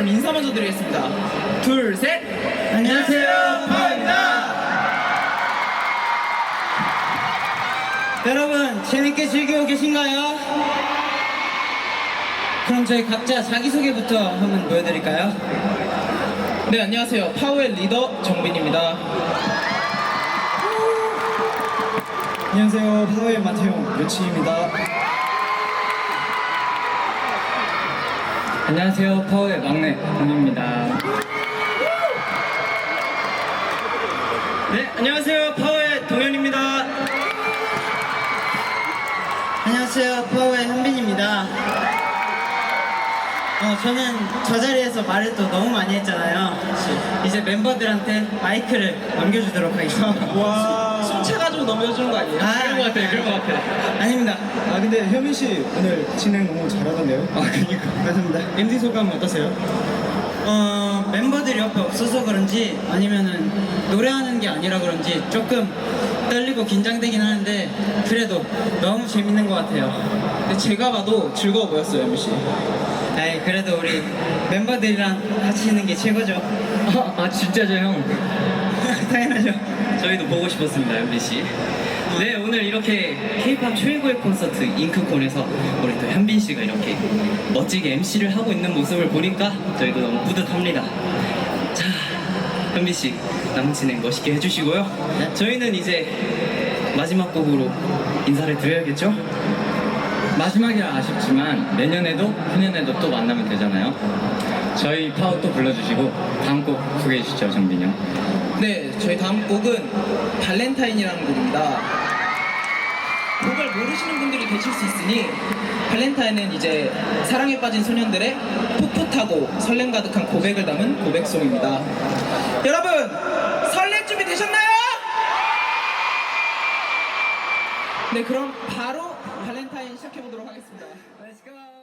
그럼 인사 먼저 드리겠습니다. 둘, 셋! 안녕하세요, 파워입니다. 여러분, 재밌게 즐기고 계신가요? 그럼 저희 각자 자기소개부터 한번 보여드릴까요? 네, 안녕하세요. 파워의 리더 정빈입니다. 안녕하세요. 파워의 마태용 요치입니다. 안녕하세요. 파워의 막내 공입니다. 네, 안녕하세요, 파워의 동현입니다. 안녕하세요, 파워의 현빈입니다. 저는 저 자리에서 말을 또 너무 많이 했잖아요. 이제 멤버들한테 마이크를 넘겨주도록 하겠습니다. 와. 숨차가지고 넘겨주는 거 아니에요? 그런 것 같아요, 그런 것 같아요. 아닙니다. 아 근데 현민 씨 오늘 진행 너무 잘하던데요? 아, 그니까. 감사합니다. MD 소감 어떠세요? 멤버들이 옆에 없어서 그런지 아니면은 노래하는 게 아니라 그런지 조금 떨리고 긴장되긴 하는데 그래도 너무 재밌는 것 같아요. 근데 제가 봐도 즐거워 보였어요, MBC. 에이, 그래도 우리 멤버들이랑 같이 있는 게 최고죠. 아 진짜죠 형? 당연하죠. 저희도 보고 싶었습니다 MBC. 네, 오늘 이렇게 K-pop 최고의 콘서트 잉크콘에서 우리 또 현빈 씨가 이렇게 멋지게 MC를 하고 있는 모습을 보니까 저희도 너무 뿌듯합니다. 자, 현빈 씨 남은 진행 멋있게 해주시고요. 저희는 이제 마지막 곡으로 인사를 드려야겠죠? 마지막이라 아쉽지만 내년에도 후년에도 또 만나면 되잖아요. 저희 파워 또 불러주시고 다음 곡 소개해 주시죠, 정빈이 형. 네, 저희 다음 곡은 발렌타인이라는 곡입니다. 곡을 모르시는 분들이 계실 수 있으니 발렌타인은 이제 사랑에 빠진 소년들의 풋풋하고 설렘 가득한 고백을 담은 고백송입니다. 여러분, 설렘 준비 되셨나요? 네, 그럼 바로 발렌타인 시작해보도록 하겠습니다. Let's go.